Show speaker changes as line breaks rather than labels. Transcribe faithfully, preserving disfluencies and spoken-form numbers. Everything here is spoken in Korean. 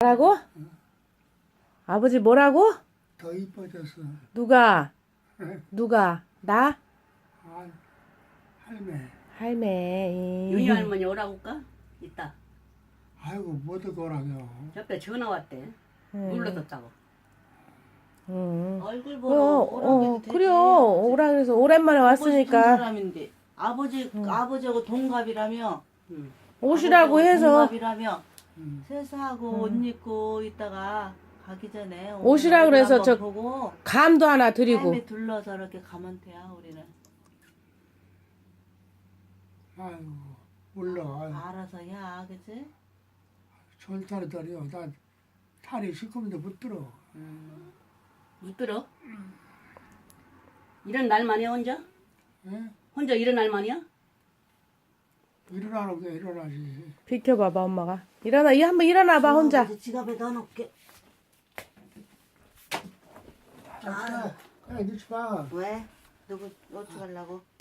뭐라고? 아버지 뭐라고?
더 이뻐졌어.
누가?
응?
누가? 나?
아, 할매.
할매.
윤희 할머니 오라고 할까? 이따.
아이고 못 오라며.
옆에 전화 왔대.
응.
눌러뒀다고.
응.
얼굴
어,
보러 오라고 해도
어,
되지.
그래요. 오라 그래서 오랜만에
보고 싶은
왔으니까
사람인데 아버지 아버지하고 동갑이라며
응.
오시라고
아버지하고
해서
동갑이라며
응.
세수하고 옷 입고 있다가 가기 전에 오늘
오시라
얼굴
그래서
한번
저
보고
감도 하나 드리고.
삶에 둘러서 이렇게 가면 돼요 우리는.
아이고 몰라. 아이고,
알아서 야 그치?
절탈이더리요. 나 탈이 시커먼데 못 들어.
못 들어? 이런 날만이야 혼자?
예?
혼자 이런 날만이야?
일어나라고 해, 일어나지.
비켜봐봐 엄마가. 일어나 이 한번 일어나봐 혼자.
아버지 지갑에 넣어놓게.
자, 야, 야, 넣지 마.
왜? 누구 어떻게 하려고?